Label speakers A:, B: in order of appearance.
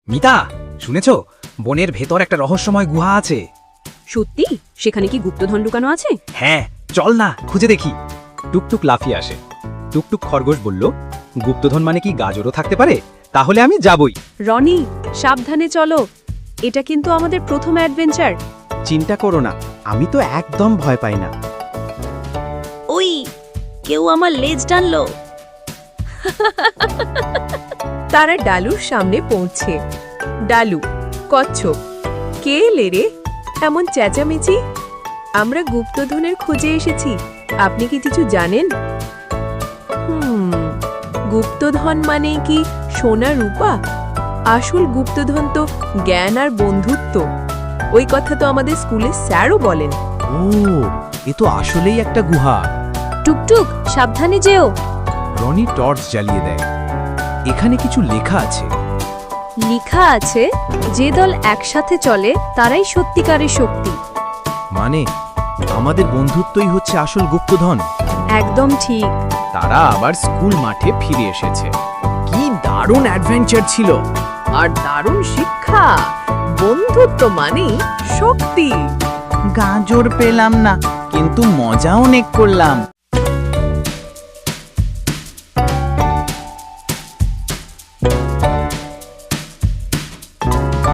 A: মিতা, শুনেছো? বনের ভেতর একটা রহস্যময় গুহা আছে।
B: সত্যি? সেখানে কি গুপ্তধন লুকানো আছে?
A: হ্যাঁ, চল না খুঁজে দেখি। টুকটুক লাফিয়ে আসে। টুকটুক খরগোশ বলল, গুপ্তধন মানে কি গাজরও থাকতে পারে? তাহলে আমি যাবই।
B: রনি, সাবধানে চলো। এটা কিন্তু আমাদের প্রথম অ্যাডভেঞ্চার।
C: চিন্তা করো না, আমি তো একদম ভয় পাই না।
B: ওই, কেউ আমার লেজ টানলো।
D: তারা ডালুর সামনে পৌঁছে। ডালু, কচ্ছপ, কে এলে রে? এমন চেঁচামেচি? আমরা গুপ্তধনের খোঁজে এসেছি, আপনি কি কিছু জানেন? গুপ্তধন মানে কি সোনা রূপা? আসল গুপ্তধন তো জ্ঞান আর বন্ধুত্ব। ওই কথা তো আমাদের স্কুলে স্যারও বলেন।
C: ও, এ তো আসলেই একটা গুহা।
B: টুকটুক, সাবধানে যেও।
C: রনি টর্চ জ্বালিয়ে দেয়। এখানে কিছু লেখা আছে।
B: লেখা আছে, যে দল একসাথে চলে তারাই সত্যিকারের শক্তি।
C: মানে আমাদের বন্ধুত্বই হচ্ছে আসল গুপ্তধন।
B: একদম ঠিক।
C: তারা আবার স্কুল মাঠে ফিরে এসেছে। কি দারুণ অ্যাডভেঞ্চার ছিল!
D: আর দারুণ শিক্ষা। বন্ধুত্ব মানে শক্তি।
C: গাজর পেলাম না, কিন্তু মজা অনেক করলাম।